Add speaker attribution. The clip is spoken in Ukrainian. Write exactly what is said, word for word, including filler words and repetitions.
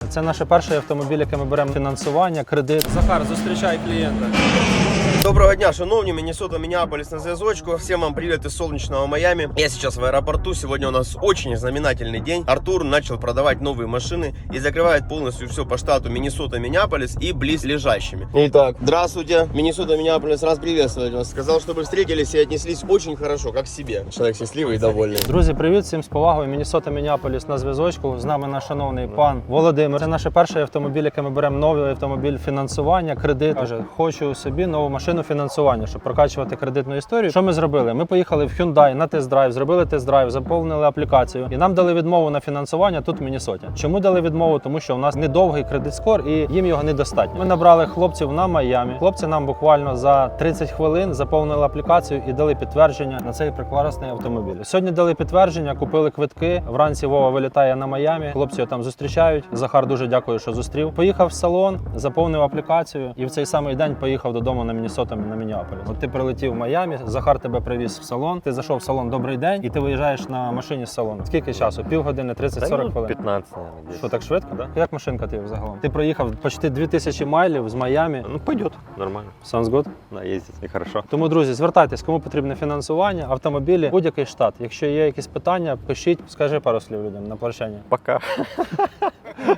Speaker 1: Це наш перший автомобіль, який ми беремо фінансування, кредит. Захар, зустрічай клієнта.
Speaker 2: Доброго дня, шановні, Миннесота, Миннеаполис на зв'язочку. Всем вам привет из солнечного Майами. Я сейчас в аэропорту. Сегодня у нас очень знаменательный день. Артур начал продавать новые машины и закрывает полностью все по штату Миннесота, Миннеаполис и близлежащими. Итак, здравствуйте, Миннесота, Миннеаполис, раз приветствовать вас. Сказал, чтобы встретились и отнеслись очень хорошо, как к себе. Человек счастливый и довольный.
Speaker 1: Друзі, привіт, всім з повагою. Міннесота, Міннеаполіс на зв'язочку. З нами наш шановний пан Володимир. Це наш перший автомобіль, який ми беремо новий автомобіль фінансування, кредит. Каже, хочу собі нову машину фінансування, щоб прокачувати кредитну історію. Що ми зробили? Ми поїхали в Hyundai на тест-драйв, зробили тест-драйв, заповнили аплікацію і нам дали відмову на фінансування тут в Міннесоті. Чому дали відмову? Тому що у нас недовгий кредит-скор і їм його недостатньо. Ми набрали хлопців на Майамі. Хлопці нам буквально за тридцять хвилин заповнили аплікацію і дали підтвердження на цей прекрасний автомобіль. Сьогодні дали підтвердження, купили квитки. Вранці Вова вилітає на Майамі. Хлопці його там зустрічають. Захар дуже дякую, що зустрів. Поїхав в салон, заповнив аплікацію і в цей самий день поїхав додому на Міннесоту, на Міннеаполіс. От ти прилетів в Майамі, Захар тебе привіз в салон. Ти зайшов в салон «Добрий день» і ти виїжджаєш на машині з салону. Скільки часу? Півгодини, тридцять-сорок хвилин?
Speaker 3: пятнадцать, наверное.
Speaker 1: Що, так швидко? Да? Як машинка ти взагалом? Ти проїхав почти дві тисячі майлів з Майамі.
Speaker 3: Ну, пойдет, нормально.
Speaker 1: Sounds good?
Speaker 3: Да, ездить и хорошо.
Speaker 1: Тому, друзі, звертайтесь, кому потрібне фінансування, автомобілі, будь-який штат. Якщо є якісь питання, пишіть, скажи пару слів людям на прощання.
Speaker 3: Пока.